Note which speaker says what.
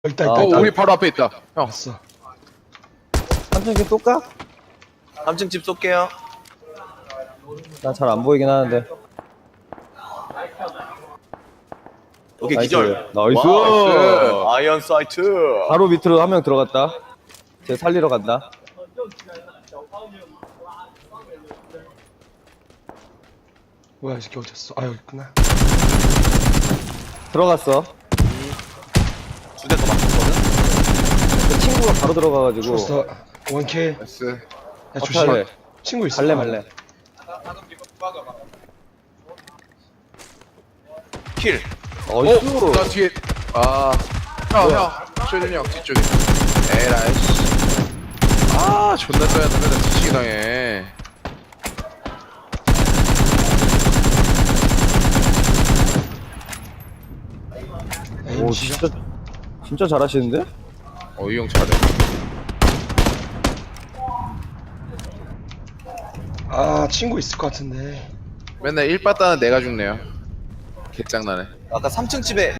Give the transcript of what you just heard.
Speaker 1: 있다
Speaker 2: 아,
Speaker 1: 있다 있다.
Speaker 3: 우리 바로 앞에 있다. 형.
Speaker 1: 왔어.
Speaker 2: 삼층 쏠까?
Speaker 4: 3층 집 쏠게요.
Speaker 2: 난 잘 안 보이긴 하는데.
Speaker 4: 오케이,
Speaker 2: 나이스.
Speaker 4: 기절.
Speaker 2: 나이스.
Speaker 4: 와, 아이언 사이트.
Speaker 2: 바로 밑으로 한 명 들어갔다. 쟤 살리러 간다.
Speaker 1: 뭐야 이 새끼 어딨어? 아 여기 있구나.
Speaker 2: 들어갔어.
Speaker 4: 두 대 더 맞췄거든.
Speaker 2: 그 친구가 바로 들어가가지고.
Speaker 1: 죽었어. 원킬.
Speaker 3: 나이스.
Speaker 1: 야
Speaker 2: 어떻게
Speaker 1: 조심.
Speaker 2: 할래?
Speaker 1: 친구 있어.
Speaker 2: 갈래 말래.
Speaker 4: 킬.
Speaker 2: 어이쿠.
Speaker 3: 나 뒤에. 아. 형. 쇼딘이 형 뒤쪽에. 에라이. 아, 존나 써야 돼. 맨날 뒤치기 당해.
Speaker 1: 에임
Speaker 2: 오
Speaker 1: 시작.
Speaker 2: 진짜 잘하시는데?
Speaker 3: 이 형 잘해.
Speaker 1: 아 친구 있을 것 같은데.
Speaker 3: 맨날 1빠따는 내가 죽네요. 개짱나네.
Speaker 4: 아까 3층 집에